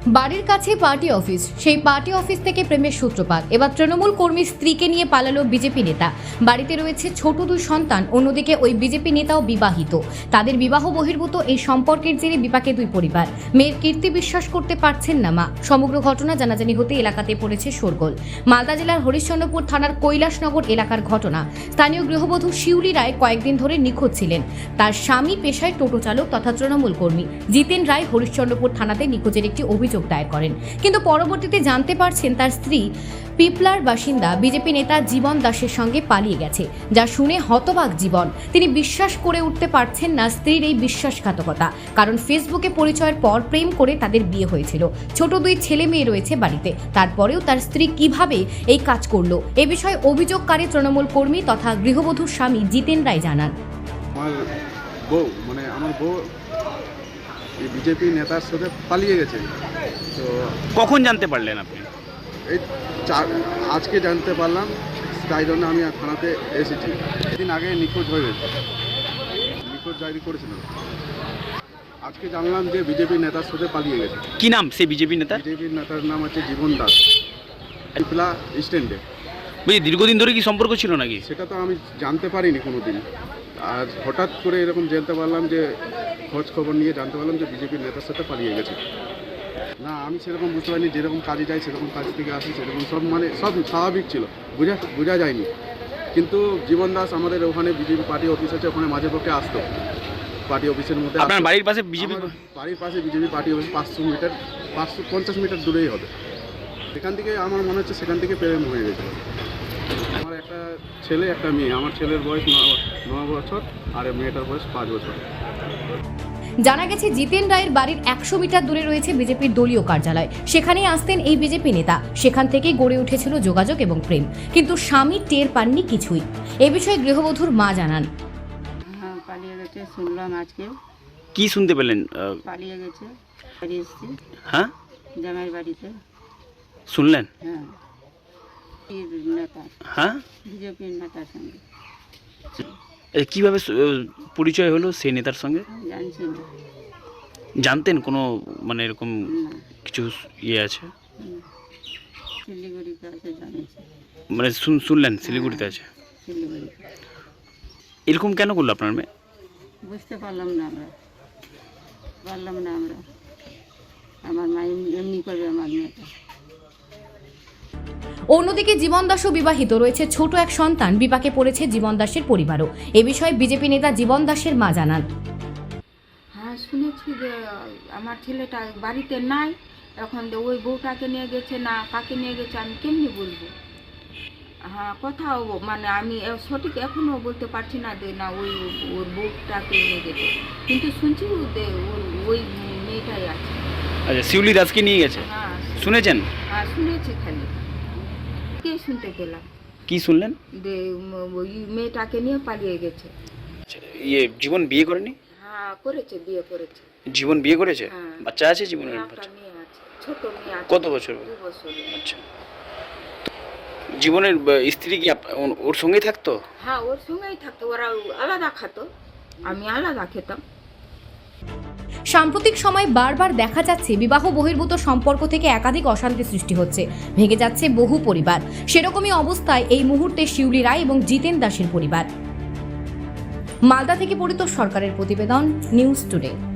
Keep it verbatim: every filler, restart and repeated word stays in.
বাড়ির কাছে party office, সেই পার্টি অফিস থেকে প্রেমের সূত্রপাত। এবার তৃণমূল কর্মীর স্ত্রীকে নিয়ে পালালো বিজেপি নেতা। বাড়িতে রয়েছে ছোট দুই সন্তান, অন্যদিকে ওই বিজেপি নেতাও বিবাহিত। তাদের বিবাহ বহির্ভূত এই সম্পর্কের জেরে বিপাকে দুই পরিবার। মেয়ের কীর্তি বিশ্বাস করতে পারছেন না মা। সমগ্র ঘটনা জানাজানি হতে এলাকাতে পড়েছে শোরগোল। মালদা জেলার হরিশ্চন্দ্রপুর থানার কৈলাসনগর এলাকার ঘটনা। স্থানীয় গৃহবধূ শিউলি রায় কয়েকদিন ধরে নিখোঁজ ছিলেন। তার স্বামী পেশায় টোটো চালক তথা তৃণমূল কর্মী। জিতেন রায় হরিশ্চন্দ্রপুর থানাতে নিখোঁজের একটি অভিযোগ দায়ের করেন, কিন্তু পরবর্তীতে জানতে পারছেন তার স্ত্রী পিপলার বাসিন্দা বিজেপি নেতা জীবন দাসের সঙ্গে পালিয়ে গেছে। যা শুনে হতবাক জীবন। তিনি বিশ্বাস করে উঠতে পারছেন না স্ত্রীর এই বিশ্বাসঘাতকতা, কারণ ফেসবুকে পরিচয়ের পর প্রেম করে তাদের বিয়ে হয়েছিল। ছোট দুই ছেলে মেয়ে রয়েছে বাড়িতে, তারপরেও তার স্ত্রী কিভাবে এই কাজ করলো এ বিষয়ে অভিযোগকারী তৃণমূল কর্মী তথা গৃহবধূর স্বামী জিতেন রায় জানান। আমার বউ মানে আমার বউ বিজেপি নেতার সাথে পালিয়ে গেছে। তো কখন জানতে পারলেন আপনি? এই চার আজকে জানতে পারলাম, তাই জন্য আমি থানাতে এসেছি। এদিন আগে নিখোঁজ হয়ে গেছে, নিখোঁজ ডায়েরি করেছিল। আজকে জানলাম যে বিজেপি নেতার সাথে পালিয়ে গেছে। কি নাম সেই বিজেপি নেতা? বিজেপি নেতার নাম হচ্ছে জীবন দাস, পিপলা স্ট্যান্ডে। বুঝি দীর্ঘদিন ধরে কি সম্পর্ক ছিল নাকি? সেটা তো আমি জানতে পারিনি কোনো দিন। আর হঠাৎ করে এরকম জানতে পারলাম যে খোঁজ খবর নিয়ে জানতে পারলাম যে বিজেপির নেতার সাথে পালিয়ে গেছে। না, আমি সেরকম বুঝতে পারিনি। যেরকম কাজে যাই সেরকম কাজ থেকে আসি, সেরকম সব মানে সব স্বাভাবিক ছিল, বোঝা বোঝা যায়নি। কিন্তু জীবন দাস আমাদের ওখানে বিজেপি পার্টি অফিস আছে, ওখানে মাঝে পক্ষে আসতো। পার্টি অফিসের মধ্যে আপনার বাড়ির পাশে বিজেপি? বাড়ির পাশে বিজেপি পার্টি অফিস পাঁচশো মিটার পাঁচশো পঞ্চাশ মিটার দূরেই হবে। সেখান থেকে আমার মনে হচ্ছে সেখান থেকে প্রেম হয়ে গেছে। আমার একটা ছেলে একটা মেয়ে। আমার ছেলের বয়স ন বছর আর মেয়েটার বয়স পাঁচ বছর। জানা গেছে জিতেন রায়ের বাড়ির একশো মিটার দূরে রয়েছে বিজেপির দলীয় কার্যালয়। সেখানেই আসতেন এই বিজেপি নেতা। সেখান থেকেই গড়ে উঠেছিল যোগাযোগ এবং প্রেম, কিন্তু স্বামী টের পাননি কিছুই। এ বিষয়ে গৃহবধূর মা জানান। হ্যাঁ, পালিয়ে গেছে শুনলাম আজকে। কি শুনতে পেলেন? পালিয়ে গেছে, বাড়ি এসেছি। হ্যাঁ, জামাইয়ের বাড়িতে শুনলেন? হ্যাঁ, নেতা হ্যাঁ, বিজেপির নেতার সঙ্গে। এ, কিভাবে সু- পরিচয় হলো সেই নেতার সঙ্গে? জানছি না, জানতেন কোনো মানে এরকম না, কিছু ইয়ে আছে? হুম। শিলিগুড়িতে আছে জানিয়েছি, মানে শুন- শুনলেন শিলিগুড়িতে আছে। শিলিগুড়িতে। এরকম কেন করলো আপনার মেয়ে? বুঝতে পারলাম না আমরা, পারলাম না আমরা। আমার মা এমনি- এমনি করবে আমার মেয়েটা। অন্যদিকে জীবন দাসও বিবাহিত, রয়েছে ছোট এক সন্তান। বিপাকে পড়েছে জীবন দাসের পরিবারও। এ বিষয়ে বিজেপি নেতা জীবন দাসের মা জানান। হ্যাঁ, শুনেছি যে আমার ছেলেটা বাড়িতে নাই এখন, যে ওই বউটাকে নিয়ে গেছে না কাকে নিয়ে গেছে আমি কেমনি বলবো। হ্যাঁ, কোথাও মানে আমি এ- সঠিক এখনও বলতে পারছি না যে না ওই ওর বউটাকে নিয়ে গেছে, কিন্তু শুনছি যে ওর ওই মেয়েটাই আছে। আচ্ছা, শিউলি দাসকে নিয়ে গেছে হ্যাঁ, শুনেছেন? হ্যাঁ শুনেছি, খালি কে শুনতে পেলাম কি শুনলেন? যে উম, ওই মেয়েটাকে নিয়ে পালিয়ে গেছে। আচ্ছা, ইয়ে জীবন বিয়ে করেনি? হ্যাঁ, করেছে, বিয়ে করেছে। জীবন বিয়ে করেছে? হ্যাঁ। বাচ্চা আছে জীবনের? একটা বাচ্চা মেয়ে আছে, ছোট মেয়ে আছে। কত বছর? দু বছর। আচ্ছা, জীবনের আহ, স্ত্রী কি আপ- ওর- ওর সঙ্গেই থাকতো? হ্যাঁ, ওর সঙ্গেই থাকতো, ওরা আলাদা খাতো, আমি আলাদা খেতাম। সাম্প্রতিক সময় বারবার দেখা যাচ্ছে বিবাহ বহির্ভূত সম্পর্ক থেকে একাধিক অশান্তি সৃষ্টি হচ্ছে, ভেঙে যাচ্ছে বহু পরিবার। সেরকমই অবস্থায় এই মুহূর্তে শিউলি রায় এবং জিতেন দাসের পরিবার। মালদা থেকে পরিতোষ সরকারের প্রতিবেদন, নিউজ টুডে।